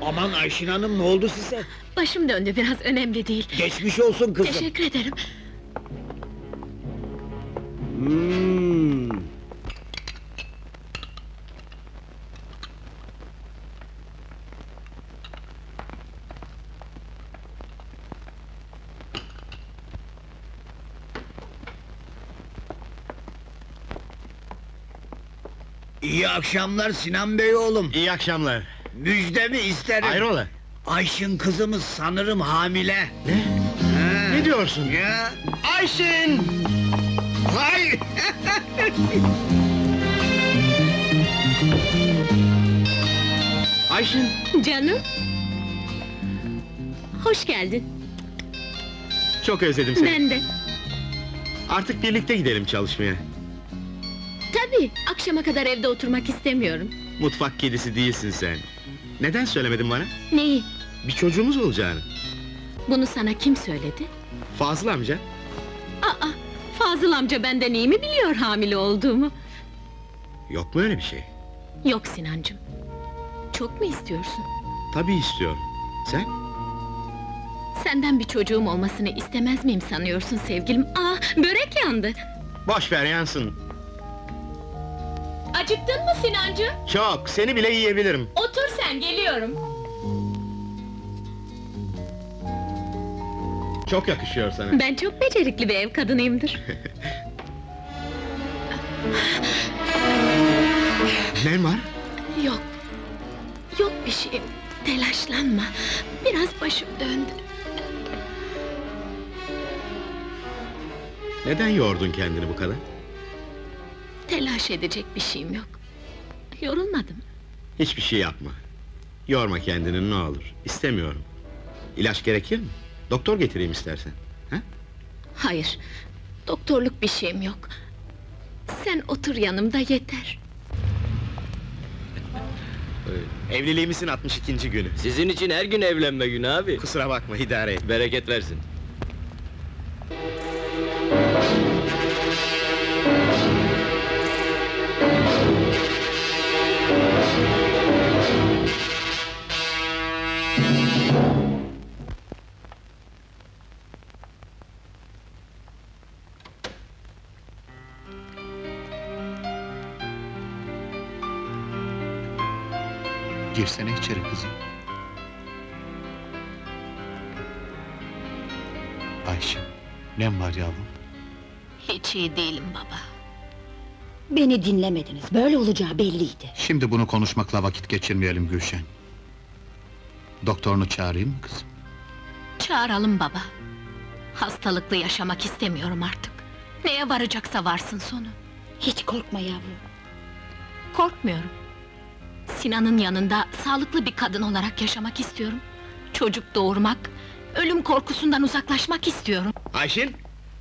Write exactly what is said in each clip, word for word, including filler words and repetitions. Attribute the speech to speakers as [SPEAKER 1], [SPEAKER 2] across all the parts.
[SPEAKER 1] Aman Ayşin Hanım, ne oldu size?
[SPEAKER 2] Başım döndü biraz, önemli değil.
[SPEAKER 1] Geçmiş olsun kızım.
[SPEAKER 2] Teşekkür ederim.
[SPEAKER 1] Hmm. İyi akşamlar Sinan Bey oğlum.
[SPEAKER 3] İyi akşamlar.
[SPEAKER 1] Müjdemi isterim.
[SPEAKER 3] Hayrola?
[SPEAKER 1] Ayşin kızımız sanırım hamile.
[SPEAKER 3] Ne?
[SPEAKER 1] Ha.
[SPEAKER 3] Ne diyorsun?
[SPEAKER 1] Ya.
[SPEAKER 3] Ayşin!
[SPEAKER 1] Hay.
[SPEAKER 3] Ayşin!
[SPEAKER 2] Canım! Hoş geldin.
[SPEAKER 3] Çok özledim seni.
[SPEAKER 2] Ben de.
[SPEAKER 3] Artık birlikte gidelim çalışmaya.
[SPEAKER 2] Tabii, akşama kadar evde oturmak istemiyorum.
[SPEAKER 3] Mutfak kedisi değilsin sen. Neden söylemedin bana?
[SPEAKER 2] Neyi?
[SPEAKER 3] Bir çocuğumuz olacağını.
[SPEAKER 2] Bunu sana kim söyledi?
[SPEAKER 3] Fazıl amca.
[SPEAKER 2] Aa, Fazıl amca benden iyi mi biliyor hamile olduğumu?
[SPEAKER 3] Yok mu öyle bir şey?
[SPEAKER 2] Yok Sinancığım. Çok mu istiyorsun?
[SPEAKER 3] Tabii istiyorum. Sen?
[SPEAKER 2] Senden bir çocuğum olmasını istemez miyim sanıyorsun sevgilim? Aa, börek yandı!
[SPEAKER 3] Boş ver yansın.
[SPEAKER 2] Acıktın mı Sinancığım?
[SPEAKER 3] Çok, seni bile yiyebilirim.
[SPEAKER 2] Otur sen, geliyorum!
[SPEAKER 3] Çok yakışıyor sana.
[SPEAKER 2] Ben çok becerikli bir ev kadınıyımdır.
[SPEAKER 3] Ne var?
[SPEAKER 2] Yok, yok bir şey. Telaşlanma, biraz başım döndü.
[SPEAKER 3] Neden yordun kendini bu kadar?
[SPEAKER 2] Telaş edecek bir şeyim yok. Yorulmadım.
[SPEAKER 3] Hiçbir şey yapma. Yorma kendini ne olur. İstemiyorum. İlaç gerekir mi? Doktor getireyim istersen. Ha?
[SPEAKER 2] Hayır, doktorluk bir şeyim yok. Sen otur yanımda yeter.
[SPEAKER 3] Evliliğimizin altmış ikinci günü.
[SPEAKER 4] Sizin için her gün evlenme günü abi.
[SPEAKER 3] Kusura bakma, idare et.
[SPEAKER 4] Bereket versin.
[SPEAKER 5] Girsene içeri kızım. Ayşe, nem var yavrum?
[SPEAKER 2] Hiç iyi değilim baba.
[SPEAKER 6] Beni dinlemediniz, böyle olacağı belliydi.
[SPEAKER 5] Şimdi bunu konuşmakla vakit geçirmeyelim Gülşen. Doktorunu çağırayım mı kızım?
[SPEAKER 2] Çağıralım baba. Hastalıklı yaşamak istemiyorum artık. Neye varacaksa varsın sonu.
[SPEAKER 6] Hiç korkma yavrum.
[SPEAKER 2] Korkmuyorum. Sinan'ın yanında sağlıklı bir kadın olarak yaşamak istiyorum. Çocuk doğurmak, ölüm korkusundan uzaklaşmak istiyorum.
[SPEAKER 3] Ayşin!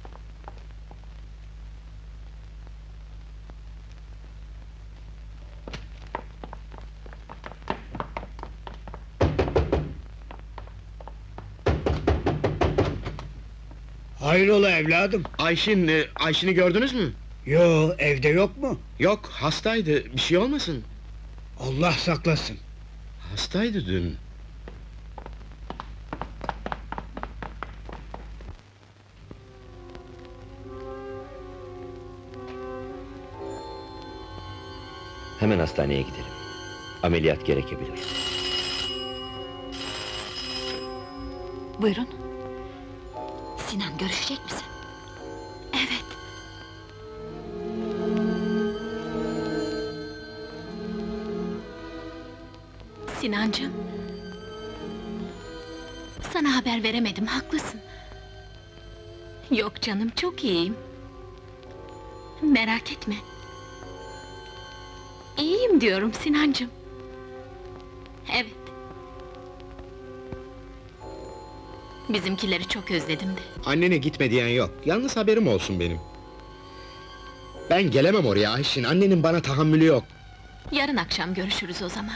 [SPEAKER 1] Hayrola evladım?
[SPEAKER 3] Ayşin, e, Ayşin'i gördünüz mü?
[SPEAKER 1] Yo, evde yok mu?
[SPEAKER 3] Yok, hastaydı. Bir şey olmasın.
[SPEAKER 1] Allah saklasın.
[SPEAKER 3] Hastaydı dün.
[SPEAKER 4] Hemen hastaneye gidelim. Ameliyat gerekebilir.
[SPEAKER 6] Buyurun. Sinan, görüşecek misin?
[SPEAKER 2] Evet. Sinancığım. Sana haber veremedim, haklısın. Yok canım, çok iyiyim. Merak etme. İyiyim diyorum Sinancığım. Evet. Bizimkileri çok özledim de.
[SPEAKER 3] Annene gitme diyen yok. Yalnız haberim olsun benim. Ben gelemem oraya Ayşin. Annenin bana tahammülü yok.
[SPEAKER 2] Yarın akşam görüşürüz o zaman.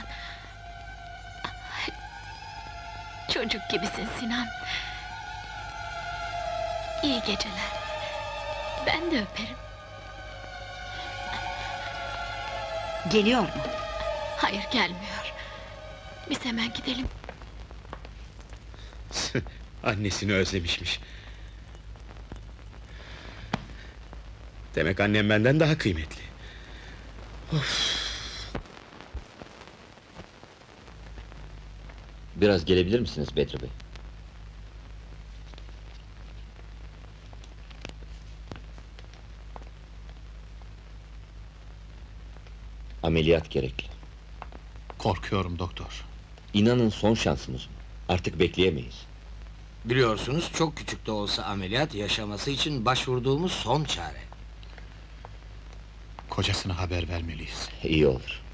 [SPEAKER 2] Çocuk gibisin Sinan. İyi geceler. Ben de öperim.
[SPEAKER 6] Geliyor mu?
[SPEAKER 2] Hayır, gelmiyor. Biz hemen gidelim.
[SPEAKER 3] Annesini özlemişmiş. Demek annem benden daha kıymetli.
[SPEAKER 4] Biraz gelebilir misiniz Bedri Bey? Ameliyat gerekli.
[SPEAKER 5] Korkuyorum doktor.
[SPEAKER 4] İnanın son şansımız bu. Artık bekleyemeyiz.
[SPEAKER 7] Biliyorsunuz çok küçük de olsa ameliyat yaşaması için başvurduğumuz son çare.
[SPEAKER 5] Kocasına haber vermeliyiz.
[SPEAKER 4] İyi olur.